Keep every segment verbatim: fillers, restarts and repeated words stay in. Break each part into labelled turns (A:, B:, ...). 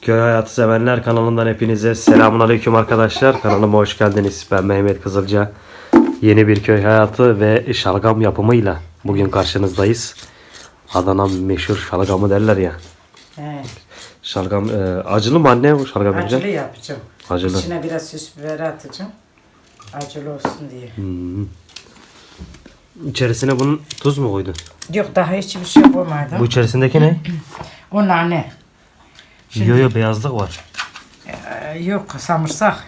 A: Köy Hayatı Sevenler kanalından hepinize selamünaleyküm arkadaşlar. Kanalıma hoş geldiniz. Ben Mehmet Kızılca. Yeni bir köy hayatı ve şalgam yapımıyla bugün karşınızdayız. Adana meşhur şalgamı derler ya.
B: He.
A: Şalgam e, acılı mı anne bu şalgam?
B: Acılı
A: yapacağım?
B: yapacağım.
A: Acılı.
B: İçine biraz süs biberi atacağım. Acılı olsun diye.
A: Hmm. İçerisine bunun tuz mu koydun?
B: Yok daha hiçbir şey koymadım.
A: Bu içerisindeki ne?
B: O nane. Şimdi,
A: Yo yo beyazlık var.
B: e, yok samırsak.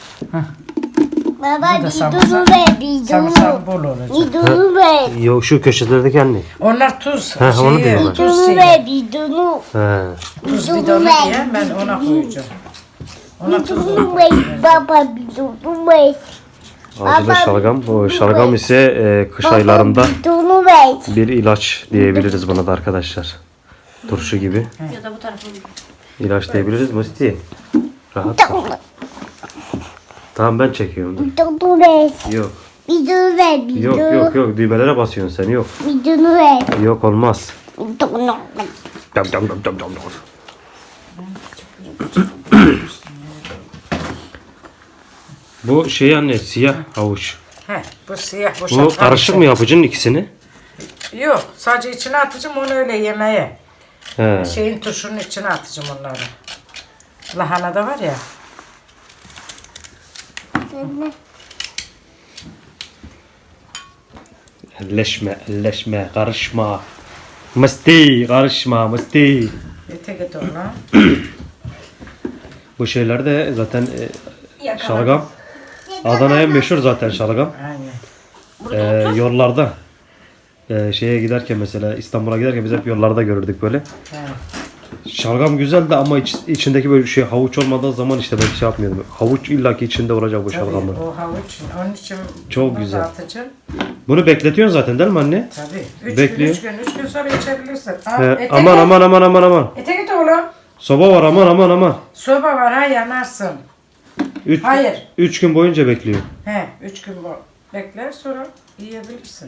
C: Baba
B: Bu da
C: bir
B: samırsak.
C: dolu ver, bir
B: Samırsak
C: dolu.
B: bol olacak.
C: Bir dolu ver.
A: Yo şu köşelerdeki anne.
B: Onlar tuz.
A: He, onu
B: şeyi,
A: diyorum ben.
C: Bir
B: tuz
C: dolu
B: şeyi.
C: ver, bir dolu.
A: He.
B: Tuz
C: Bir dolu
B: bidonu
C: ver.
B: diye ben ona koyacağım. Ona
C: Bir
B: tuz
C: dolu ver, baba bir dolu ver.
A: Acılı
C: Baba,
A: şalgam. Bu şalgam ise e, kış
C: Baba,
A: aylarında
C: bir dolu ver.
A: bir ilaç diyebiliriz buna da arkadaşlar. Turşu gibi.
D: Ya da bu tarafa mı?
A: İlaç diyebiliriz Musti. Rahat. Tamam ben çekiyorum. Dur.
C: Bir dolu ver.
A: Yok.
C: Bir dolu ver, bir
A: Yok
C: dolu.
A: yok yok düğmelere basıyorsun sen yok.
C: Bir dolu ver.
A: Yok olmaz.
C: Bir dolu ver.
A: Dam dam dam dam dam dam. Bu şey anne siyah havuç.
B: He, bu siyah bu
A: Bu
B: şalgam
A: karışık
B: içi.
A: mı yapacaksın ikisini?
B: Yok sadece içine atacağım onu öyle yemeğe.
A: He.
B: Şeyin turşunun içine atacağım onları. Lahana da var ya.
A: Elleşme elleşme karışma. Musti karışma Musti.
B: Ete git ona.
A: Bu şeyler de zaten e,
D: Yakala.
A: şalgam. Adana'ya meşhur zaten şalgam.
B: Aynen.
A: Ee, yollarda e, şeye giderken mesela İstanbul'a giderken biz hep yollarda görürdük böyle.
B: He.
A: Şalgam güzeldi ama iç- içindeki böyle şey havuç olmadığı zaman işte ben şey yapmıyordum. Havuç illaki içinde olacak bu
B: Tabii,
A: şalgamın.
B: o havuç. Onun için
A: Çok
B: bunu
A: güzel.
B: da atacağım.
A: Bunu bekletiyorsun zaten değil mi anne?
B: Tabii. Üç
A: Bekliyor.
B: gün, üç gün, üç gün sonra içebilirsin. Al,
A: He,
B: ete
A: aman
B: git.
A: aman aman aman aman.
B: Ete git oğlum.
A: Soba var aman aman aman.
B: Soba var ha yanarsın.
A: Üç,
B: Hayır.
A: üç gün boyunca bekliyor.
B: He, üç gün bu. Bekler sonra yiyebilirsin.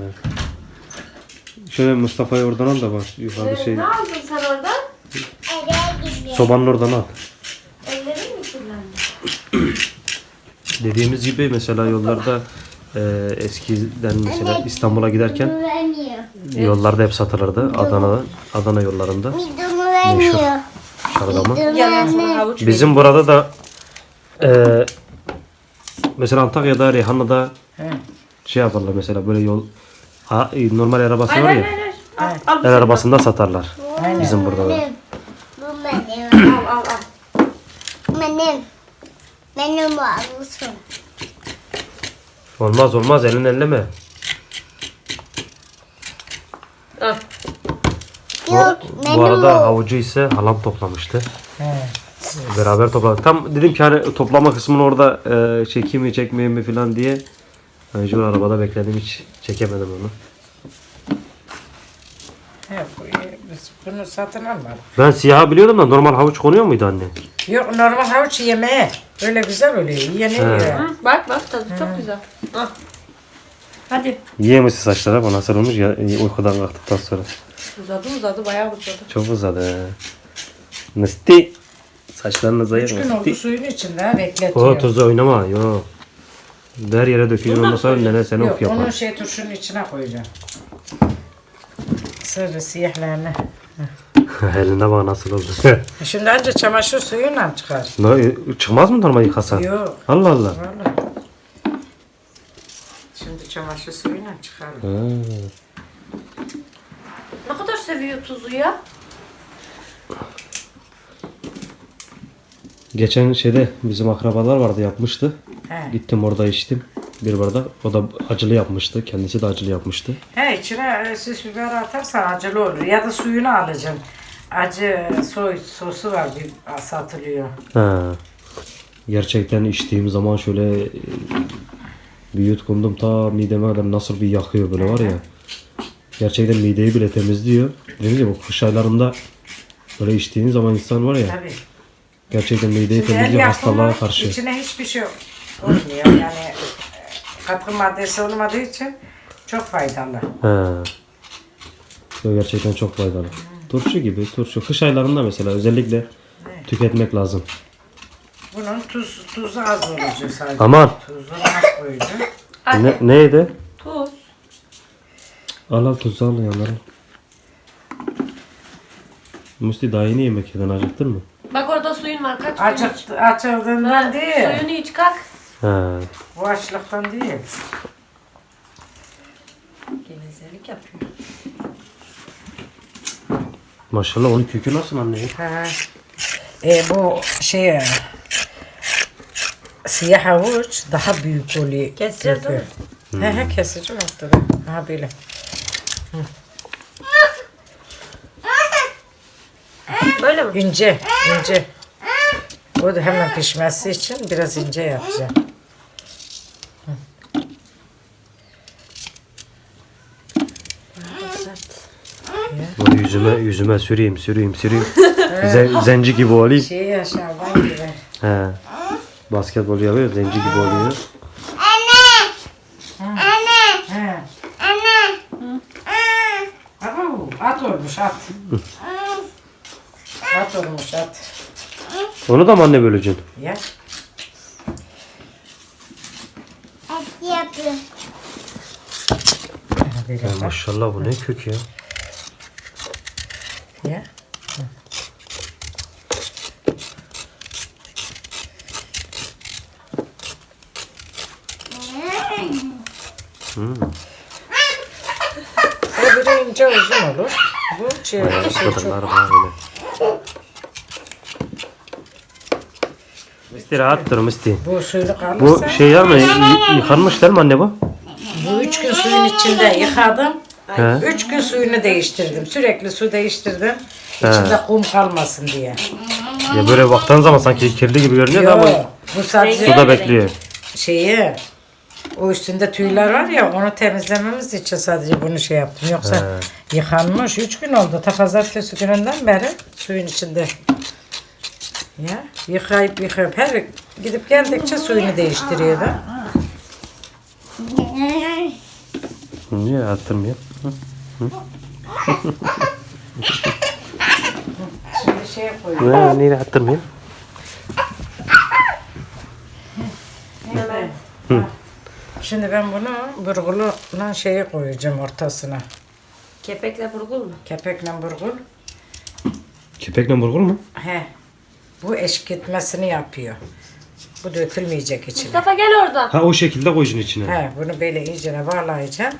A: Şöyle Mustafa'yı oradan al da bak yukarıda şey
D: Ne aldın sen orada?
C: Eve gidiyor.
A: sobanın oradan al.
D: Ellerin mi kirlendi?
A: Dediğimiz gibi mesela yollarda e, eskiden mesela İstanbul'a giderken
C: Bir dolu vermiyor.
A: yollarda hep satılırdı. Adana'da, Adana yollarında
C: Bir dolu vermiyor.
A: şalgamı.
C: Bir dolu
D: Yalan sana
C: vermiyor.
D: havuç
A: Bizim burada da e, mesela Antakya'da, Reyhanlı'da
B: He.
A: şey yaparlar mesela böyle yol ha, normal arabası
D: Hayır
A: var
D: hayır
A: ya.
D: hayır. hayır. Al, al,
A: El arabasında satarlar.
B: Aynen.
A: Bizim burada da.
C: Benim. Bu benim.
D: al, al, al.
C: Benim. Benim varlısın.
A: Olmaz olmaz elin elleme.
D: Al.
C: Yok,
A: Bu
C: benim
A: arada
C: o.
A: havucu ise halam toplamıştı.
B: He.
A: Beraber topladık. Tam dedim ki hani toplama kısmını orada e, çekeyim mi çekmeyeyim mi falan diye. Mecbur arabada bekledim hiç çekemedim onu.
B: He, bu, biz bunu satın almadık.
A: Ben siyahı biliyordum da normal havuç konuyor muydu anne?
B: Yok normal havuç yemeğe. Böyle güzel oluyor. Yeniliyor.
D: Hı, bak bak tadı çok güzel. Al. Hadi.
A: Yiyemişsin saçlara bu nasıl olmuş ya e, uykudan kalktıktan sonra.
D: Uzadı uzadı bayağı uzadı.
A: Çok uzadı. he. Nısti. Saçlarınıza
B: Üç gün
A: yer
B: oldu
A: Nısti.
B: suyun içinde ha, bekletiyor.
A: O tuzu oynama yo. Her yere döküyorsun ondan sonra nene seni
B: Yok
A: of yapar.
B: onu şey turşunun içine koyacağım. Sırrı siyahlarını.
A: Eline bak nasıl oldu.
B: Şimdi önce çamaşır suyuyla çıkar.
A: Ne, çıkmaz mı normal yıkasan?
B: Yok.
A: Allah Allah.
B: Vallahi. Şimdi çamaşır suyuyla çıkar.
A: Ha.
D: Ne kadar seviyor tuzu ya?
A: Geçen şeyde bizim akrabalar vardı yapmıştı.
B: He.
A: Gittim orada içtim bir bardak. O da acılı yapmıştı. Kendisi de acılı yapmıştı.
B: He içine e, süs biber atarsan acılı olur. Ya da suyunu alacaksın. Acı soy sosu var bir satılıyor.
A: Ha. Gerçekten içtiğim zaman şöyle e, bir yutkundum ta mideme kadar nasıl bir yakıyor böyle var ya. Gerçekten mideyi bile temizliyor. Dediğim gibi bu kış aylarında böyle içtiğin zaman insan var ya
B: Tabii.
A: gerçekten mideyi
B: Şimdi el
A: temizliyor
B: yapımı
A: hastalığa karşı.
B: içine hiçbir şey olmuyor. Yani e, katkı maddesi olmadığı için çok faydalı.
A: He. Yo, gerçekten çok faydalı. Turşu gibi turşu. Kış aylarında mesela özellikle tüketmek lazım.
B: Bunun tuz, tuzu az olacak sadece.
A: Aman.
B: Tuzunu az koyacağım.
A: Ne, neydi?
D: Tuz.
A: Al al tuzu al yanlara. Musti daha yeni yemek yedin, acıktın mı?
D: Bak orada suyun var. Kaç suyun iç.
B: Açık, açıldığından
D: Ha,
B: değil.
D: Suyunu iç kalk.
A: He.
B: Bu açlıktan değil.
D: Gevezelik yapıyor.
A: Maşallah onun kökü nasıl anne?
B: Ha. E, bu şey siyah havuç daha büyük oluyor.
D: Keseceğiz değil mi?
B: He he keseceğim ortada. Ha böyle.
D: Böyle mi?
B: İnce, ince. O da hemen pişmesi için biraz ince yapacağım.
A: Bunu yüzüme yüzüme süreyim süreyim süreyim. Zen- zenci gibi olayım.
B: Şey aşağıdan gibi.
A: He. Basketbol yapıyor, zenci gibi oluyor.
C: Anne.
B: He.
C: Anne.
B: Abo, at olmuş at. At olmuş at.
A: Onu da mı anne böleceksin?
B: Ya.
C: Et yapıyor.
B: Böyle
A: Ya
B: bak.
A: maşallah bu ne kök ya.
B: Ya.
A: Hmm.
B: O biri ince uzun olur. Bu şey,
A: Bayağı
B: şey çok.
A: kadınlar var öyle. Misti rahattır Misti.
B: Bu suyunu
A: Bu
B: kalırsa.
A: şey yer mi? Y- yıkanmış değil mi anne bu?
B: Bu üç gün suyun içinde yıkadım.
A: He.
B: Üç gün suyunu değiştirdim. Sürekli su değiştirdim. İçinde kum kalmasın diye.
A: Ya böyle baktığın zaman sanki kirli gibi görünüyor da ama
B: Yok. Bu sadece
A: suda bekliyor.
B: şeyi, o üstünde tüyler var ya, onu temizlememiz için sadece bunu şey yaptım. Yoksa yıkanmış. Üç gün oldu. Ta pazartesi gününden beri suyun içinde. Ya yıkayıp yıkayıp her gidip geldikçe suyunu değiştiriyor da.
A: Niye attırmıyor?
B: Şimdi şey koyuyorum.
A: Ne, niye attırmıyor?
B: Şimdi ben bunu burguluna şeye koyacağım ortasına.
D: Kepekle burgul mu?
B: Kepekle burgul.
A: Kepekle burgul mu?
B: He. Bu eşkitmesini yapıyor. Bu dökülmeyecek içine.
D: Mustafa gel oradan.
A: Ha o şekilde koyacaksın içine.
B: He, bunu böyle iyicene bağlayacağım.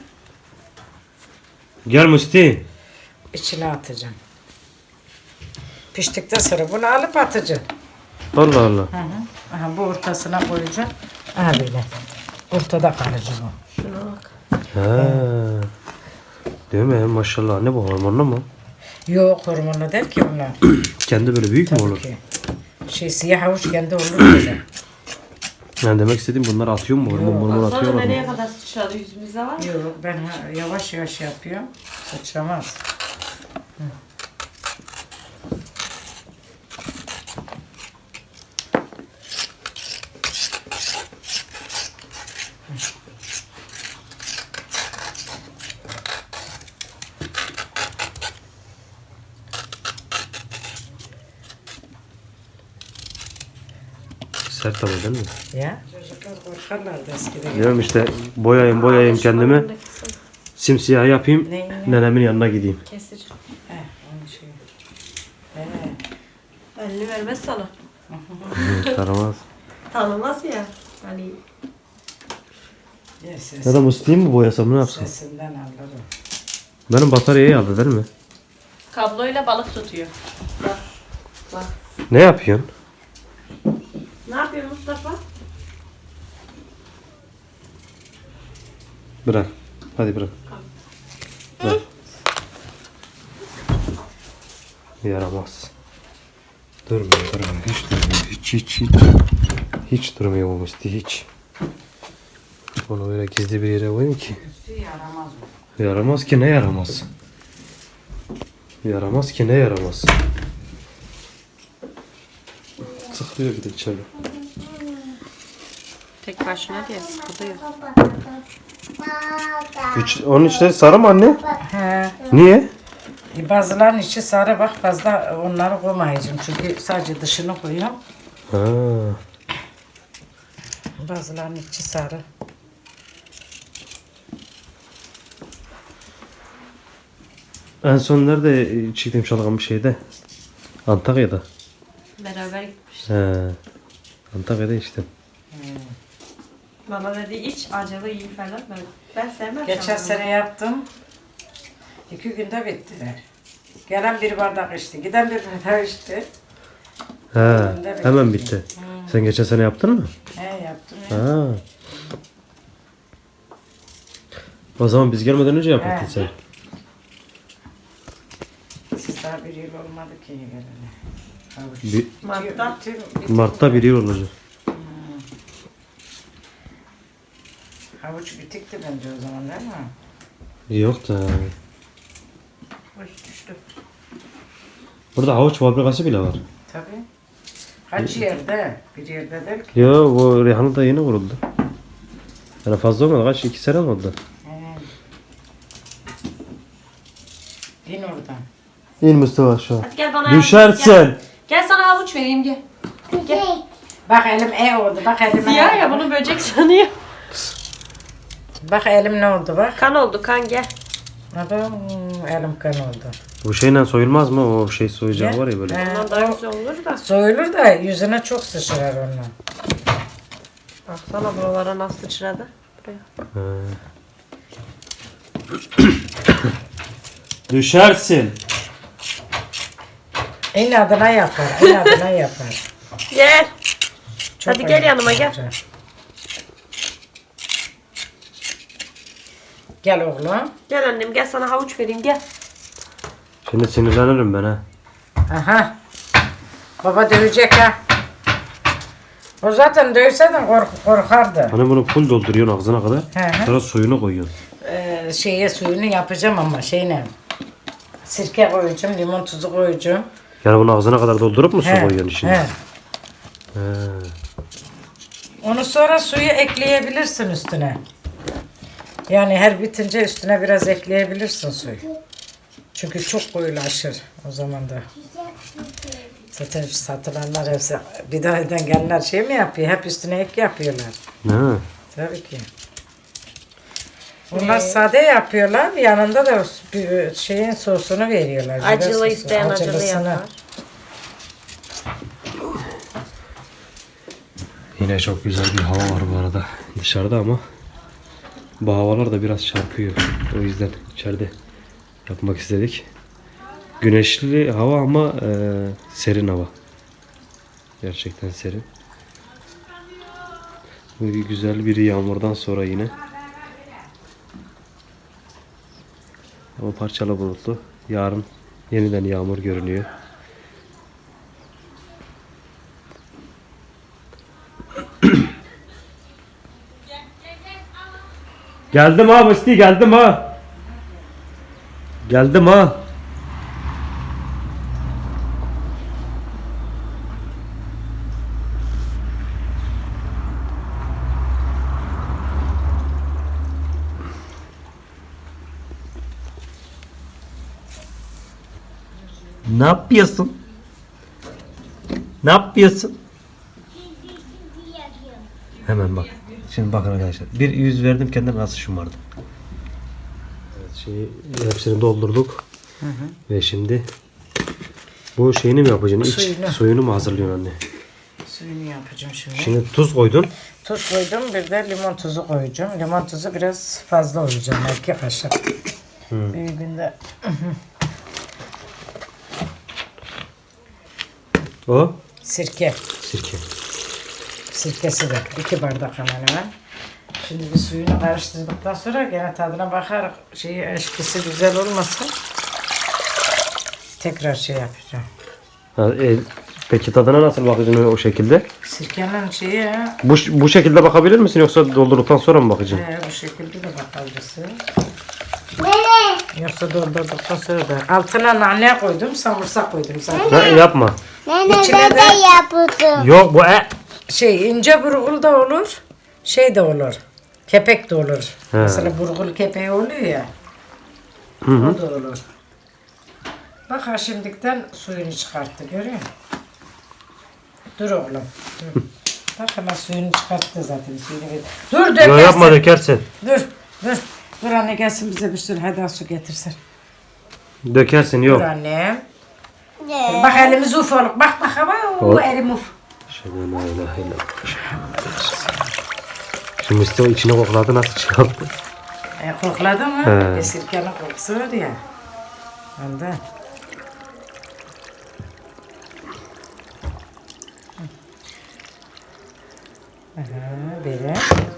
A: Gel Musti.
B: İçine atacağım. Piştikten sonra bunu alıp atacağım.
A: Allah Allah.
B: Hı hı. Aha, bu ortasına koyacağım. Aha böyle. Ortada kalacak o.
D: Şuna bak.
A: Ha. Değil mi? Maşallah anne bu hormonlu mu?
B: Yok, hormonlu değil ki bunlar.
A: Kendi böyle büyük mü
B: Tabii
A: olur?
B: ki. Şey siyah havuç kendi olur böyle.
A: Yani demek istediğim bunlar atıyor mu? Hormon hormon
D: Sonra
A: atıyorlar
D: nereye
A: mı?
D: kadar sıçradı yüzümüzde var mı?
B: Yok, ben ha- yavaş yavaş yapıyorum. Sıçramaz.
A: Sert ama değil mi?
B: Ya. Çocuklar korkarlardı eskiden.
A: Diyorum işte boyayayım boyayayım kendimi. Simsiyah yapayım.
B: Ne, ne?
A: Nenemin yanına gideyim.
D: Kesici.
B: He, onun şey. He.
D: Elini vermez sana.
A: Taramaz.
D: Tanımaz ya. Hani
B: Ya ses,
A: Ya da Musti'yi mi boyasam ne yapsam?
B: sesinden anlarım.
A: Benim bataryayı aldı değil mi?
D: kabloyla balık tutuyor. Bak. Bak.
A: Ne yapıyorsun?
D: Ne yapıyor Mustafa?
A: Bırak. Hadi bırak. Bırak. Yaramaz. Durmuyor, durmuyor. Hiç durmuyor. Hiç, hiç, hiç. Hiç durmuyor bu Musti, hiç. Onu öyle gizli bir yere koyayım ki.
B: Üstü yaramaz o.
A: Yaramaz ki ne yaramaz? Yaramaz ki ne yaramaz? Sıkılıyor bir de içeri.
D: Tek başına diye sıkılıyor.
A: İç, onun içleri sarı mı anne?
B: He.
A: Niye?
B: Bazılarının içi sarı bak fazla onları koymayacağım. Çünkü sadece dışını koyuyorum.
A: Ha.
B: Bazılarının içi sarı.
A: En son nerede çiğdem şalgam bir şeyde? Antakya'da.
D: Beraber gitmiş.
A: He. Antakya'da içtim.
D: Bana dedi iç acılı iyi falan böyle. Ben sevmem.
B: Geçen
D: şalgamı.
B: sene yaptım. İki günde bitti. Gelen bir bardak içti. Giden bir bardak içti.
A: He. Hemen bitti. Sen geçen sene yaptın mı?
B: He yaptım ya.
A: Ha. O zaman biz gelmeden önce yaptın
B: He.
A: sen.
B: Siz daha bir yıl olmadı ki gelene. Havuç.
A: Bir,
D: Mart'ta.
B: Bütün- bütün-
A: Mart'ta bir yıl olacak.
B: Havuç bitikti bence o zaman değil mi?
A: Yok da.
D: Oy düştü.
A: Burada havuç fabrikası bile var.
B: Tabii. Kaç yerde? Bir yerde değil ki.
A: Yo, bu Rihanna da yeni kuruldu. Yani fazla olmadı. Kaç? iki sene mi oldu?
B: He. İn oradan.
A: İn Mustafa şu an.
D: Hadi gel bana yardım et,
A: Düşersin.
D: Gel. Gel sana havuç vereyim gel.
C: Gel.
B: Bak elim e oldu. Bak elim
D: Siyah
B: e
D: ya
B: oldu.
D: bunu böcek sanıyor.
B: Bak elim ne oldu bak.
D: Kan oldu kan gel.
B: Adam elim kan oldu.
A: Bu şeyle soyulmaz mı? O şey soyacağı var ya böyle.
B: He.
D: Ondan daha güzel olur da.
B: Soyulur da yüzüne çok sıçrar onunla.
D: Baksana buralara nasıl sıçradı. Buraya.
A: Düşersin.
B: İnadına yapar. İnadına yapar.
D: Gel.
B: Çok
D: Hadi gel yanıma,
B: güzel.
D: gel.
B: Gel oğlum.
D: Gel annem gel sana havuç vereyim gel.
A: Şimdi sinirlenirim ben ha.
B: Aha. Baba dövecek ha. O zaten dövseydin kork korkardı.
A: Hani bunu full dolduruyorsun ağzına kadar.
B: Hı hı.
A: Sonra suyunu koyuyorsun.
B: Ee, şeye suyunu yapacağım ama şeyle. Sirke koyacağım, limon tuzu koyacağım.
A: Yani bunu ağzına kadar doldurup mu su
B: He,
A: koyuyorsun içine?
B: he.
A: He.
B: Onu sonra suyu ekleyebilirsin üstüne. Yani her bitince üstüne biraz ekleyebilirsin suyu. Çünkü çok koyulaşır o zaman da. Zaten şu satılanlar hepsi bir daha gelenler şey mi yapıyor? Hep üstüne ek yapıyorlar.
A: Ne?
B: Tabii ki. Bunlar sade yapıyorlar. Yanında da bir şeyin sosunu veriyorlar. biber
D: Acılı
B: sosu,
D: isteyen acılı
B: acılısını.
D: yapar.
A: Yine çok güzel bir hava var bu arada dışarıda ama bu havalar da biraz çarpıyor. O yüzden içeride yapmak istedik. Güneşli hava ama e, serin hava. Gerçekten serin. Bu güzel bir yağmurdan sonra yine. Ama parçalı bulutlu. Yarın yeniden yağmur görünüyor. Geldim ha Musti, geldim ha. Geldim ha. Ne yapıyorsun? Ne yapıyorsun? Hemen bak. Şimdi bakın arkadaşlar. Bir yüz verdim kendime nasıl şımardım. Evet, şeyi hepsini doldurduk. Ve şimdi bu şeyini mi yapacaksın? İç
B: Suyunu.
A: suyunu mu hazırlıyorsun anne?
B: Suyunu yapacağım şimdi.
A: Şimdi tuz koydun.
B: Tuz koydum, bir de limon tuzu koyacağım. Limon tuzu biraz fazla koyacağım, iki kaşık. Büyüğünde
A: O
B: sirke.
A: sirke.
B: Sirkesi de iki bardak hemen hemen. Şimdi bir suyunu karıştırdıktan sonra gene tadına bakarak şeyi eşkisi güzel olmasın. Tekrar şey yapacağım.
A: Ha, e, peki tadına nasıl bakacaksın o şekilde?
B: Sirkenin şeyi ha,
A: Bu bu şekilde bakabilir misin yoksa doldurduktan sonra mı bakacaksın?
B: e, bu şekilde de bakabilirsin.
C: Nene.
B: Yoksa doldurduktan sonra da altına nane koydum, samırsak koydum zaten.
A: Ha, yapma.
C: Nene
B: İçine
C: ben
B: de-
C: de yaptım.
A: Yok bu e.
B: Şey ince burgul da olur, şey de olur, kepek de olur.
A: He.
B: Mesela burgul kepeği oluyor ya, o da olur. Bak ha şimdikten suyunu çıkarttı görüyor musun? Dur oğlum. Dur. Bak hemen suyunu çıkarttı zaten. Suyunu ver. Dur
A: Yo,
B: dökersin.
A: yapma dökersin.
B: Dur dur. Dur anne gelsin bize bir sürü hadi su getirsin.
A: Dökersin
B: Dur
A: yok.
B: annem. Bak elimiz uf olur. Bak bak ama o
A: Ol.
B: elim uf.
A: Şöyle la ilahe illallah. Şimdi işte o içine kokladı nasıl çıkarttı?
B: E, kokladın mı?
A: He.
B: Bir sirkenin kokusu var ya. Ondan. Aha, böyle.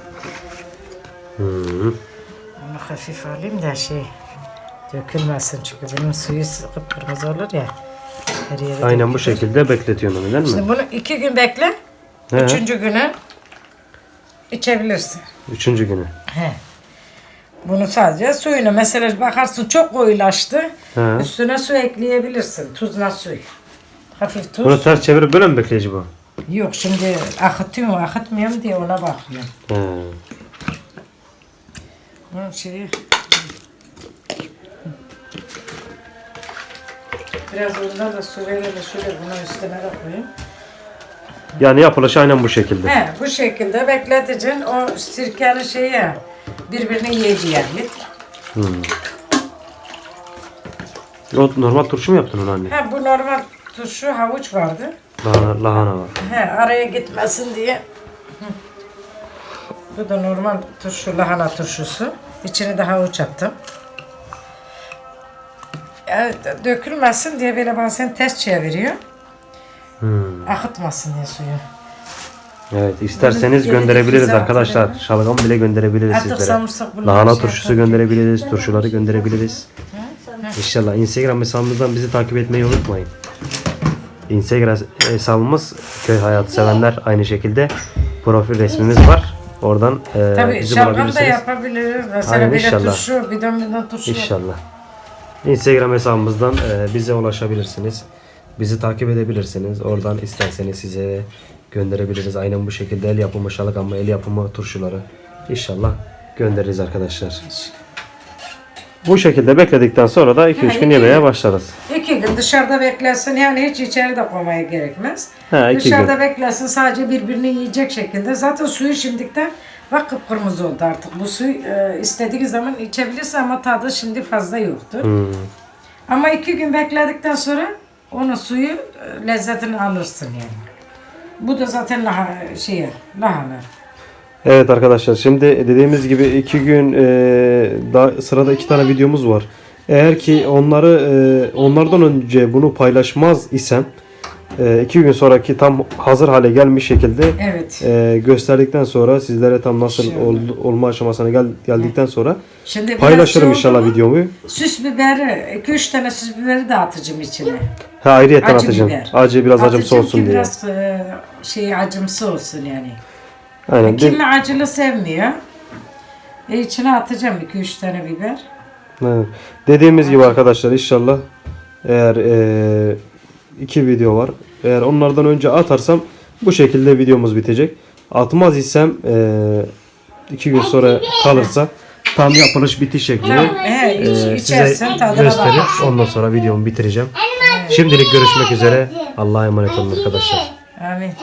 A: Hı.
B: Onu hafif alayım da şey dökülmesin çünkü bunun suyu kıpkırmızı olur ya. Her yere
A: Aynen bu
B: dökülür.
A: şekilde bekletiyorsun onu değil mi?
B: Şimdi bunu iki gün bekle.
A: He.
B: Üçüncü günü içebilirsin.
A: Üçüncü günü.
B: He. Bunu sadece suyunu mesela bakarsın çok koyulaştı.
A: He.
B: Üstüne su ekleyebilirsin. Tuzla suyu. Hafif tuz.
A: Bunu ters çevirip böyle mi bekleyici bu?
B: Yok şimdi akıtıyor mu akıtmıyor mu diye ona bakıyorum.
A: He.
B: Bunun şeyi... Biraz ondan da su verelim şöyle bunun üstüne de koyayım.
A: Yani yapılışı aynen bu şekilde.
B: He, bu şekilde bekleteceksin. O sirkeli şeyi birbirini yiyeceği.
A: O normal turşu mu yaptın onu anne?
B: He, bu normal turşu havuç vardı.
A: Lahana, lahana var.
B: He, araya gitmesin diye. Hı. Bu da normal turşu, lahana turşusu. İçine de havuç attım. Yani dökülmesin diye böyle bazen ters çeviriyor.
A: Hmm.
B: Akıtmasın diye suyu.
A: Evet isterseniz
B: Bunu
A: gönderebiliriz
B: gerekirse
A: arkadaşlar.
B: atalım.
A: Şalgam bile gönderebiliriz
B: Artık
A: sizlere.
B: samırsak bunları
A: Lahana
B: şey
A: turşusu
B: yapalım.
A: gönderebiliriz. Turşuları gönderebiliriz. İnşallah Instagram hesabımızdan bizi takip etmeyi unutmayın. Instagram hesabımız Köy Hayatı Sevenler aynı şekilde profil resmimiz var. Oradan e,
B: Tabii
A: bizi
B: şalgam da
A: bulabilirsiniz.
B: yapabiliriz. Mesela
A: Aynen,
B: böyle
A: inşallah.
B: turşu, bidon bidon turşu.
A: İnşallah. Instagram hesabımızdan e, bize ulaşabilirsiniz. Bizi takip edebilirsiniz. Oradan isterseniz size gönderebiliriz. Aynen bu şekilde el yapımı şalgamı, el yapımı turşuları İnşallah göndeririz arkadaşlar. Bu şekilde bekledikten sonra da iki üç gün
B: iki
A: yemeğe
B: gün.
A: başlarız.
B: İki gün dışarıda beklesin yani hiç içeri de koymaya gerekmez.
A: Ha, iki
B: Dışarıda
A: gün.
B: beklesin sadece birbirini yiyecek şekilde. Zaten suyu şimdikten bak kıpkırmızı oldu artık. Bu suyu e, istediği zaman içebilirsin ama tadı şimdi fazla yoktur.
A: Hmm.
B: Ama iki gün bekledikten sonra onun suyu e, lezzetini alırsın yani. Bu da zaten lahana, şey, lahana.
A: Evet arkadaşlar şimdi dediğimiz gibi iki gün e, daha sırada iki tane videomuz var. Eğer ki onları e, onlardan önce bunu paylaşmaz isem e, iki gün sonraki tam hazır hale gelmiş şekilde
B: Evet.
A: e, gösterdikten sonra sizlere tam nasıl
B: İnşallah.
A: ol, olma aşamasına gel, geldikten sonra
B: Şimdi biraz
A: paylaşırım
B: şey
A: inşallah
B: oldu mu,
A: videomu.
B: Süs biberi, iki üç tane süs biberi de atacağım içine.
A: Ha ayrıyeten
B: Acı
A: atacağım.
B: biber.
A: Acı biraz acımsı
B: Atacağım
A: olsun
B: ki
A: diye.
B: biraz e, şey acımsı olsun yani.
A: Aynen. De-
B: Kimi acılı sevmiyor. E içine atacağım iki üç tane biber.
A: Evet. Dediğimiz gibi arkadaşlar inşallah eğer e, iki video var. Eğer onlardan önce atarsam bu şekilde videomuz bitecek. Atmaz isem e, iki gün sonra kalırsa tam yapılış bitiş şekli
B: He, iç,
A: e, size
B: içersin tadına
A: gösterip
B: bak.
A: ondan sonra videomu bitireceğim. Şimdilik görüşmek üzere. Allah'a emanet olun arkadaşlar.
B: Amin.